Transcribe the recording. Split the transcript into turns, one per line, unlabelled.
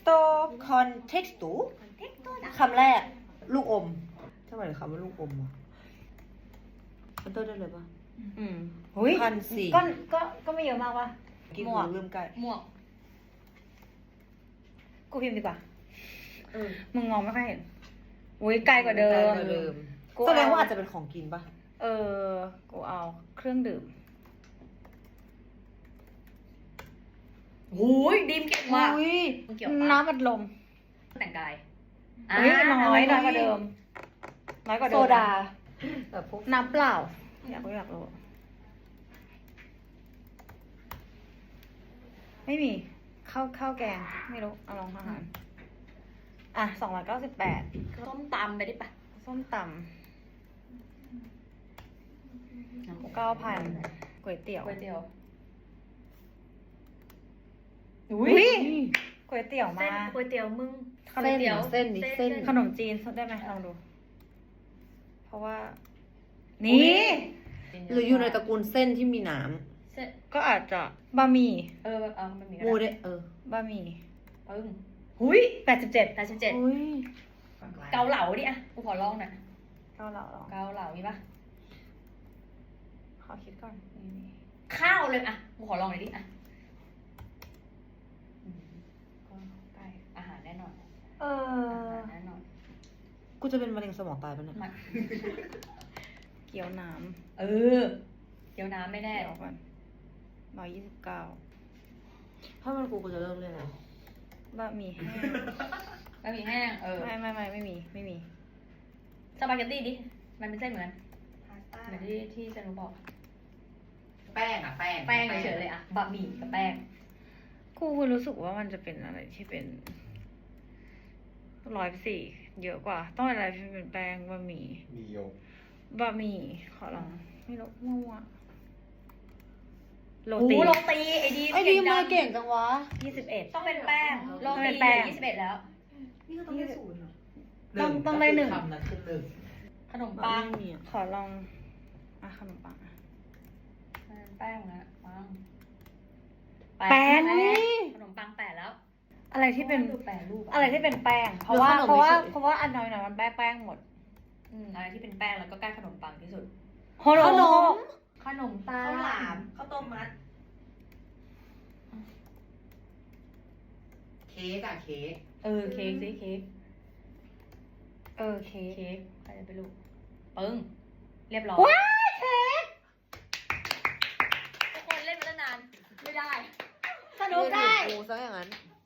คอนเท็กซ์ตูคำแรกลูกอมทำไมคำว่าลูกอมอ่ะมันต้นได้เลยปะ
หุย
1,400
ก็ไม่เยอะมากวะ
กิน
หม
หั
ว
ว
ก
ลืมไก่
หมวก
กูพิมพ์ดีกว่ามึงมองไม่ค่อยเห็นอุ้ยไกลกว่าเดิม กู
แสดงว่าอาจจะเป็นของกินปะ
กูเอาเครื่องดื่ม
หูยดีมเก่งมาก
อุ้ย
มึงเกี่ยวปะ
น้ำอัดลม
แต่งกาย
อุ้ยน้อยกว่าเดิม น้อยกว่าเดิ
โซ
ม
ดาแบบพวก
น้ำเปล่า อยากรู้ไม่มีข้าวแกง ไม่รู้ เอาลองอาหารอ่ะ298
ส้มตำไปดิปะ
ส้มตำ9,000ก๋วยเตี๋ยว
ก๋วยเตี๋ยว
อุ้ยก๋วยเตี๋ยว
เส้
มา
นก๋วยเตี๋ยวมึง
เส้นเส้นดิเส้น
ขนมจีนได้ไหมลองดู เพราะว่า นี่
หรืออยู่ในตระกูลเส้นที่มีหนาม
เส้น
ก็อาจจะบะหมี่
มันมี
มูเด
บะหมี่
ปึ้งหุย
87
87
อุ้ย
เกาเหลาดิอ่ะกูขอลองหน่อย
เกาเหลาลอง
เกาเหลามีปะ
ขอคิดก่อน
ข้าวเลยอ่ะกูขอลองหน่อยดิอ่ะก็ใกล้อาหารแน่นอนอาหารแน่นอน
กูจะเป็นมะเร็งสมองตายปะเนี่ย
มัน
เกี๊ยวน้
เออเดี๋ยวน้ำไม่
ำ
แน่
เดี๋ยวก่อน129
ถ้ามันกูจะเลิกเล่นแล้ว
บะหมี่แห้ง
บะหมี่แห้ง
ไม่มี
สปาเกตตี้ดิ มันเป็นเส้นเหมือนเหมือนที่จันรู้บอก
แป้งอะแป้ง
แป้งเฉยๆเลยอะบะหมี่กับแป้ง
กูรู้สึกว่ามันจะเป็นอะไรที่เป็น104เยอะกว่า ต้องเป็นอะไรที่เป็นแป้งบะหมี่
มีโยก
บะหมี่ขอลอง ไม่รู้มั่วโร
โอ้
ตี
โรตีไอ้ดี
ไอ้ดีมาเก่งจังวะ
21
ต้องเป็นแป้งโร
ต้องเป็
ตี
นแป้ง
21แล้ว
นี่ก็ต้องได้ศูนย์เหรอ
ต้องได้1
คำนั้นคือหนึ่ง
ขนมปัง
ไม่มีอะ
ขอลองขนมปัง
แป้งนะปัง
แป้ง
ขนมปัง8แล้ว
อะไรที่เป็น
ดูแปรรูป
อะไรที่เป็นแป้ง เพราะว่าอันน้อยมันแป้งหมด
อะไรที่เป็นแป้งแล้วก็ใกล้ขนมปังที่สุด
ขนม
ขนมปัง
ข้าวหลามข้าวต้มมัด เค้กอะเค้ก
เค้กสิเค้ก
เค้ก
เค้กใครจะไปรู้ปึ้งเรียบร้อย
ว้ายเค้ก
ทุกคนเล่นมาตั้งนานไม่ได้
สนุกได้
กูซะอย่างนั้น